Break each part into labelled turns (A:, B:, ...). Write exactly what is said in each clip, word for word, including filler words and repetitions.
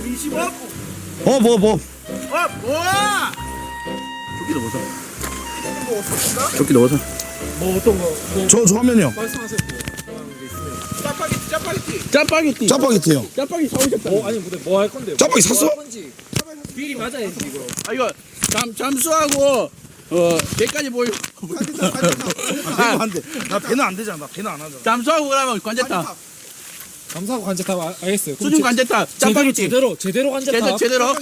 A: 이십오.
B: 어, 뭐, 뭐.
A: 어, 뭐야?
B: 조끼 넣어서.
A: 뭐 없었나?
B: 조끼 넣어서.
A: 뭐 어떤 거? 뭐
B: 저, 저 하면요.
A: 말씀하세요. 짜파게티, 짜파게티.
C: 짜파게티.
B: 짜파게티요.
C: 짜파게티 사오셨다.
A: 어, 아니 근데 뭐 할 건데요?
B: 짜파게티 샀어?
A: 비리 맞아야지 이거.
C: 아 이거 잠 잠수하고 어 배까지 보여.
B: 아, 안 돼. 나 배는 안 되잖아. 나 배는 안 하잖아.
C: 잠수하고 그러면 관제탑.
A: 감사하고 관제탑 아- 알겠어요. 그럼
C: 수중
A: 제-
C: 관제탑.
A: 제대로
C: 짜파게티.
A: 제대로 제대로 관제탑.
C: 제대로 제대로.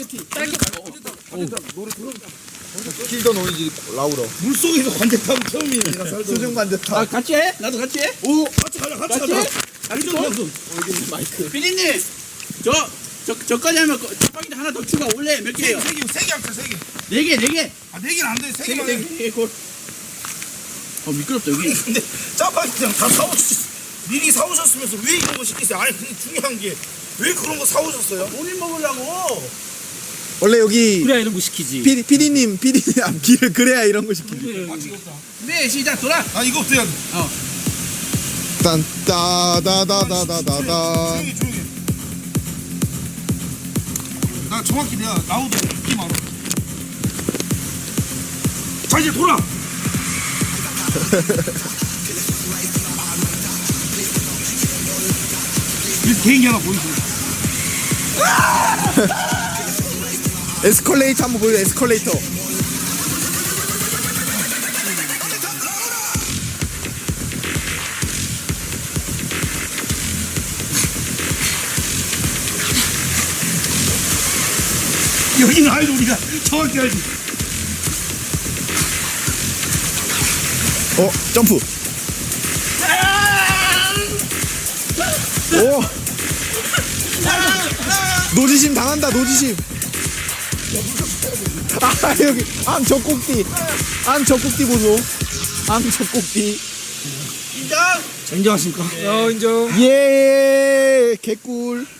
D: 킬더 노이즈 라우러.
B: 물속에서 관제탑은 처음이에요.
D: 수중 관제탑.
C: 아 같이 해? 나도 같이 해?
B: 오, 같이 가자, 같이
C: 같이?
B: 가자.
C: 같이 고 마이크. 피디님, 저, 저, 저까지 하면 거- 짜파게티 하나 더 추가 원래 몇 개예요?
B: 세 개, 세개 합쳐, 세 개.
C: 네 개, 네 개.
B: 아, 네 개는 안 돼. 세
C: 네 개,
B: 개만
C: 네
B: 해.
C: 개, 네 개. 골. 어 미끄럽다 여기.
B: 근데 짜파게티랑 다 사오셨, 미리 사오셨으면서 왜 이런 거 시키세요? 아니, 근데 중요한 게 왜 그런 거 사오셨어요?
C: 본인 먹으려고.
D: 원래 여기
A: 그래야 이런 거 시키지.
D: 피디, 피디님, 피디님 앞길을 그래야 이런 거 시키지.
C: 네 시작 돌아.
B: 아, 이거부터 해야 돼.
D: 딴, 따다다다다다다.
B: 조용히, 조용히. 나 정확히 내가 나오도 느낌 알아. 자, 이제 돌아. 이 개인기 하나 보여줘.
D: 에스컬레이터 한번 보여줘, 에스컬레이터.
B: 여기는 알죠, 우리가 정확히 알지.
D: 어, 점프. 오. 노지심 당한다, 노지심. 아, 여기, 앙, 젖꼭지. 앙, 젖꼭지 보소. 앙, 젖꼭지.
C: 인정.
B: 인정하십니까?
A: 어 인정.
D: 예, 개꿀.